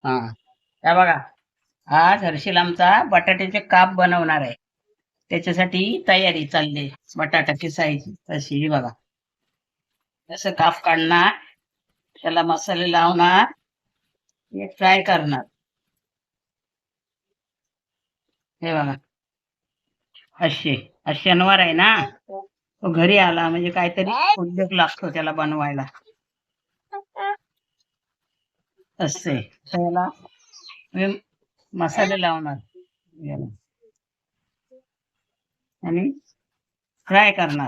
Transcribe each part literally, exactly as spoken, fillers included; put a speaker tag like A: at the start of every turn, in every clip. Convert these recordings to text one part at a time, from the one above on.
A: हा हे बघा, आज हर्षिल आमचा बटाट्याचे काप बनवणार आहे. त्याच्यासाठी तयारी चालली. बटाटा किसायची तशी ही बघा. तसं काप काढणार, त्याला मसाले लावणार, हे फ्राय करणार. हे बघा, असे आज शनिवार आहे ना, तो घरी आला म्हणजे काहीतरी उद्योग लागतो त्याला बनवायला. असे त्याला मी मसाले लावणार याला आणि फ्राय करणार.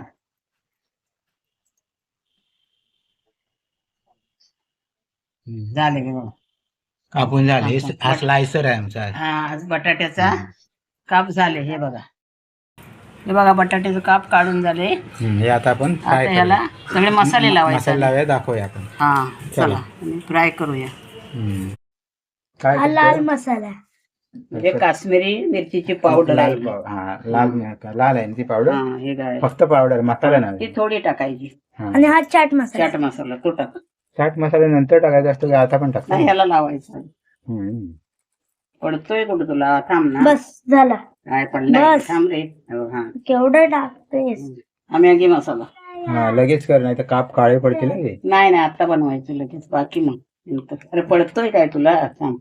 A: झाले हे बघा.
B: कापून झाले.
A: हा,
B: हा
A: बट-
B: स्लायसर आहे आमचा.
A: हा आज बटाट्याचा काप झाले. हे बघा, हे बघा बटाट्याचे काप काढून झाले.
B: हम्म, हे आता आपण फ्राय
A: आता ह्याला सगळे मसाले लावायचे.
B: मसाला लावूया, दाखवूया आपण.
A: हा
B: चला.
A: चला आणि फ्राय करूया.
B: हम्म. काय
C: हा लाल
B: करतो?
C: मसाला
A: हे काश्मीरी मिरचीची पावडर आहे.
B: लाल पाव- हा लाल मिरची- लाल आहे ना ती पावडर.
A: हा हे काय
B: फक्त पावडर, मसाला नाही.
A: ती थोडी टाकायची.
B: हा.
C: आणि हा चाट मसाला
A: चाट मसाला तो टाक.
B: चाट मसाला नंतर टाकायचा असतो का आता पण टाकतो?
A: नाही ह्याला लावायचं.
B: हम्म.
A: पडतोय कुठं तुला? थांब ना.
C: बस झाला.
A: काय पडलाय?
C: बस.
A: थांब रे. हे बघ, हा
C: केवढं टाकतेस?
A: हा मॅगी मसाला.
B: हा लगेच कर, नाही तर काप काळे पडतील ना ते.
A: नाही नाही आता बनवायचं लगेच, बाकी मग नंतर. अरे पडतोय काय तुला? थांब.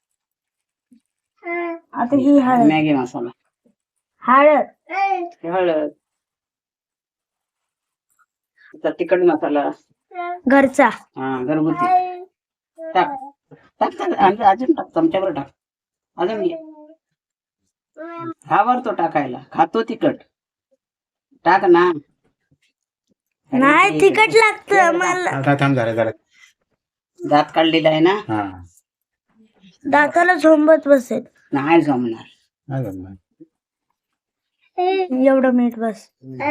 C: आता ही हळद
A: मॅगी मसाला,
C: हळद
A: हे हळद, आता तिखट मसाला,
C: घरचा
A: हा घरगुती टाक. टाक टाक, आणि अजून टाक, चमच्यावर टाक. अजून घे. खावर तो टाकायला, खातो तिखट टाक ना. अरे
C: नाही
A: ते-
C: तिखट लागतं मला.
B: आता थांब, झालं झालं.
A: दात काढलेला आहे ना.
B: हा
C: दाताला झोंबत बसेल.
A: नाही जमणार.
B: नाही जमणार.
C: एवढं मीठ बस.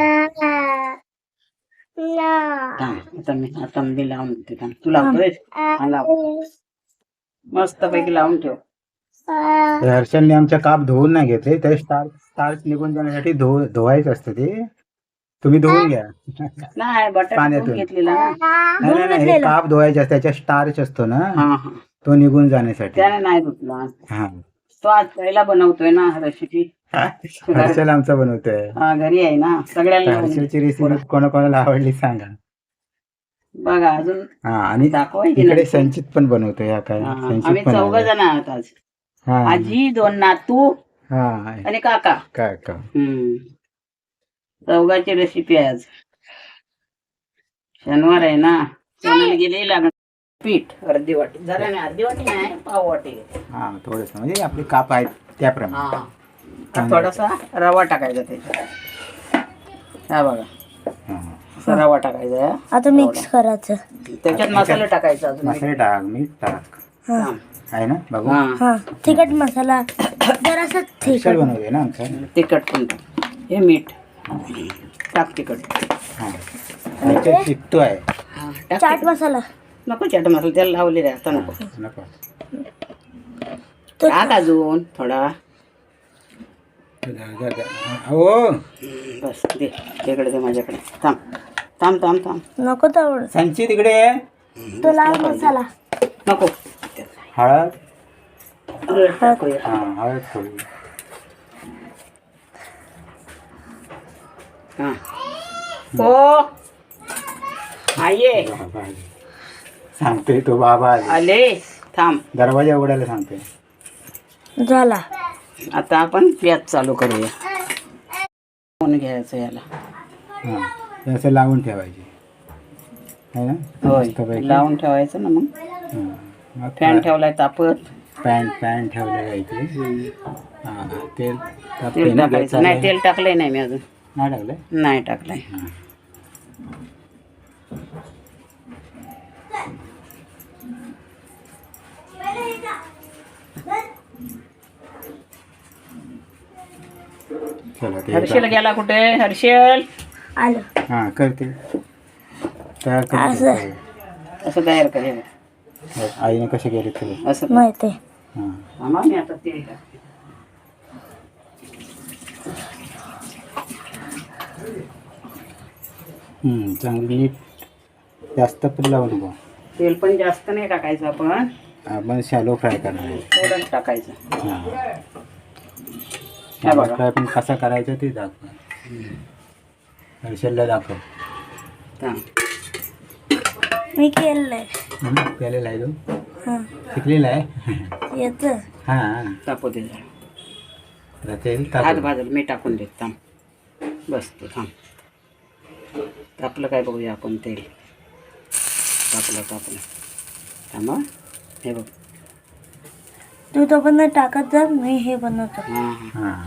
A: थांब, आता मी आता मी लावून देते. थांब. तू लावतोय? हा लाव. मस्त पैकी लावून ठेव.
B: ते हर्षलने आमच्या काप धुवून नाही घेतले, ते स्टार्च स्टार्च निघून जाण्यासाठी धु धुवायचं असतं ते. तुम्ही धुवून घ्या.
A: नाही बटाटा
B: पाण्यातून.
A: धुवून घेतलेला ना.
B: नाही नाही, नाही हे काप धुवायचे असतात, त्याच्या स्टार्च असतो ना,
A: हा हा
B: तो निघून जाण्यासाठी.
A: त्याने नाही धुतला.
B: हा
A: तो आज पहिला बनवतोय ना रेसिपी.
B: हर्षल आमचा बनवतोय.
A: हा घरी आहे ना, सगळ्यांना लावून दे.
B: हर्षलची रेसिपी कोणाकोणाला आवडली सांगा.
A: बघा अजून
B: हा आणि
A: दाखवायची
B: इकडे
A: ना.
B: संचित पण बनवतोय. हा काय
A: हा,
B: संचित
A: आम्ही
B: पण
A: चौघ
B: आहे.
A: जण आहोत आज.
B: हा
A: आजी, दोन नातू
B: हा
A: आणि काका.
B: काय का
A: हम्म चौघाची रेसिपी आहे आज. शनिवार आहे ना, सोनाली गेले लागणार पीठ अर्धी वाटी. जरा नाही, अर्धी वाटी नाही, पाव वाटी घेते.
B: हा थोडस म्हणजे आपले काप आहेत त्याप्रमाणे.
A: हा आता थोडासा रवा टाकायचा त्याच्यात. हा बघा,
B: हा.
A: असा रवा टाकायचा.
C: आता मिक्स करायचं.
A: त्याच्यात मसाले टाकायचा अजून.
B: मसाले टाक, मीठ टाक.
A: हा.
B: आहे ना बघू.
A: हा
C: हा तिखट मसाला जरासा
B: हर्षल
C: तिखट.
B: बनवतोय ना आमचा.
A: तिखट पण टाक. हे मीठ टाक. तिखट
B: हा त्याच्यात टिकतो आहे.
A: हा टाक.
C: चाट मसाला
A: नको चाट मसाला, त्याला लावलेला आहे आता नको.
B: नको.
A: टाक अजून थोडा.
B: जा, जा, जा. हो
A: बस दे तिकडे, दे माझ्याकडे. थांब थांब थांब थांब.
C: नको तेवढं.
B: संचित इकडे ये.
C: तो लाल मसाला
A: नको.
B: हळद.
A: टाकूया.
B: हा हळद थोडी.
A: हा हो आये
B: बाबा आले. सांगतोय तो बाबा आले.
A: आले. थांब.
B: दरवाजा उघडायला सांगतोय.
C: झाला.
A: आता आपण गॅस चालू करूया. फोन घ्यायचं याला.
B: हा हे असं लावून ठेवायचे आहे ना.
A: होय
B: मस्तपैकी.
A: लावून ठेवायचं ना. मग
B: हा. मग
A: फॅन ठेवलाय तापत.
B: पॅन पॅन ठेवलं जायचे. हा तेल तापते
A: तेल
B: ना, गॅस
A: टाकायचं
B: चालू
A: नाही.
B: आहे.
A: तेल टाकलंय नाही मी अजून.
B: नाही टाकलंय.
A: नाही टाकलंय.
B: चला ते
A: हर्षल गेला कुठे? हर्षल
C: आलं.
B: हा करते तयार
C: असं.
B: करते.
A: असं तयार करेल.
B: आईने कसे केले तुला.
A: असं
C: माहिती
B: हा
A: आम्हा मी आता तेल टाकते.
B: हम्म चांगली नीट जास्त पण लावू नको.
A: तेल पण जास्त नाही टाकायचं आपण.
B: आपण शॅलो फ्राय करणार आहे.
A: थोडंच टाकायचं.
B: हा.
A: हे बघा.
B: शॅलो फ्राय पण कसा करायचा ते दाखव. हर्षलला दाखव.
A: हां.
C: मी केलंय.
B: हम्म, केलेला आहे तू
C: हा
B: शिकलेला आहे.
C: येतं.
B: हां
A: तापू दे जरा.
B: तर तेल
A: हात
B: टाकू.
A: भाजल मी टाकून देत थांब. बस तू थांब. तापलं काय बघूया आपण तेल. तापलं तापलं थांब हं. हे बघ.
C: तू तो पण टाकत जा, मी हे बनवतो.
A: हां हां.
B: हां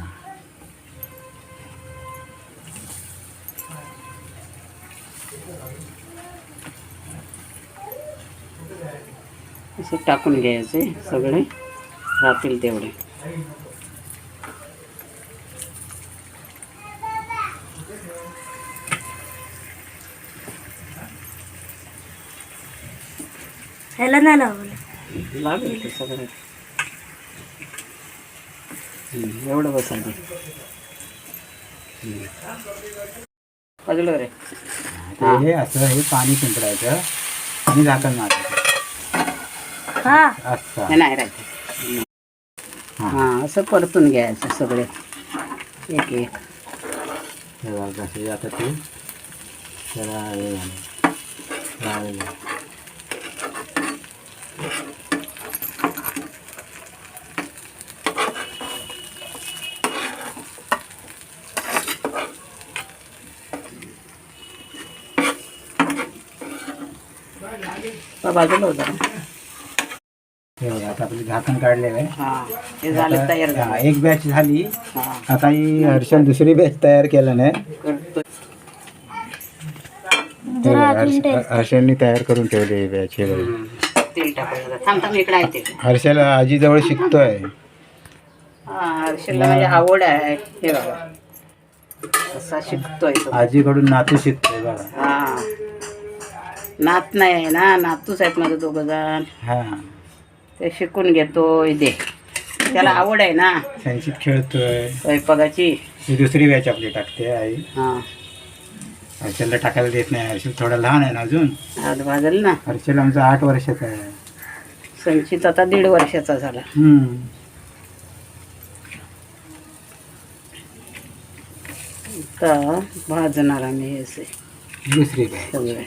A: असं टाकून घ्यायचे सगळे राहतील तेवढे.
C: ह्याला नाही लावलं.
A: लागेल ते सगळं. हम्म, एवढं बस आधी. बाजूला रे.
B: ते हे असं हे पाणी शिंपडायचं आणि झाकण मारायचं
C: हा
B: असं.
A: हे नाही राहते.
B: हां
A: हां असं परतून घ्यायचं सगळे एक एक.
B: हे बघ कसं आता ते त्याला हे झालं लावलं.
A: तर बाजूला होता.
B: हे बघा आता आपलं झाकण काढलेलं आहे.
A: हां हे झालं तयार
B: आता- हा,
A: झालं.
B: एक बॅच झाली.
A: हां
B: आता ही हर्षल दुसरी बॅच तयार केलं नाही.
A: करतो.
B: हे
C: जरा
B: बघा,
C: अजून
B: हर्ष-
C: टेस्ट.
B: हर्षलनी तयार करून ठेवली ही बॅच. हे बघा.
A: हम्म, तेल टाकायचं. थांब थांब इकडे आहे तेल.
B: हर्षल आजीजवळ शिकतोय.
A: हां हर्षलला म्हणजे आवड आहे. हे बघा असा शिकतोय तो.
B: आजीकडून नातू शिकतोय बघा.
A: हां नात नाही आहे ना, नातूच आहेत माझं दोघं जण.
B: हा
A: ते शिकून घेतोय ते. त्याला आवड आहे ना
B: त्यांची खेळतोय.
A: स्वयंपाकाची.
B: ही दुसरी बॅच आपली टाकते आई.
A: हां
B: हर्षलला टाकायला देत नाही. हर्षल थोडा लहान आहे ना अजून.
A: हात भाजल ना.
B: हर्षल आमचा आठ वर्षाचा आहे.
A: संचित आता दीड वर्षाचा झाला.
B: हम्म.
A: आता भाजणार आम्ही हे असे
B: दुसरी बॅच.
A: सगळे.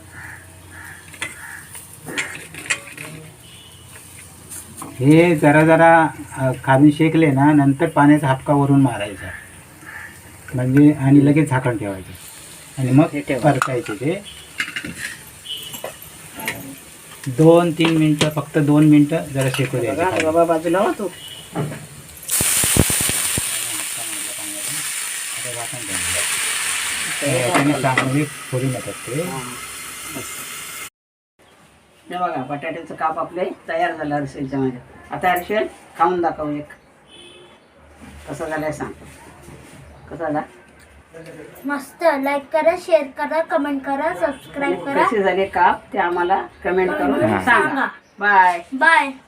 B: हे जरा जरा अ, खाली शेकले ना नंतर पाण्याचा हापका वरून मारायचा म्हणजे आणि लगेच झाकण ठेवायचं आणि मग
A: हे ठेवा.
B: परतायचे ते दोन तीन मिनटं फक्त दोन मिनटं जरा शेकू द्यायचे
A: बघा
B: खाली.
A: बाबा बाजूला हो तू.
B: आता झाकण ठेवायचं. हे याच्याने चांगली फोडून येतात ते.
A: हां. हे बघा बटाट्याचं काप आपले तयार झालं हर्षलच्या मध्ये. आता हर्षल खाऊन दाखव एक. कसं झालंय सांग. कसा झाला.
C: मस्त. लाईक करा, शेअर करा, कमेंट करा, सबस्क्राईब करा.
A: कसे झाले काप ते आम्हाला कमेंट करून
B: हां.
A: सांगा. बाय.
C: बाय.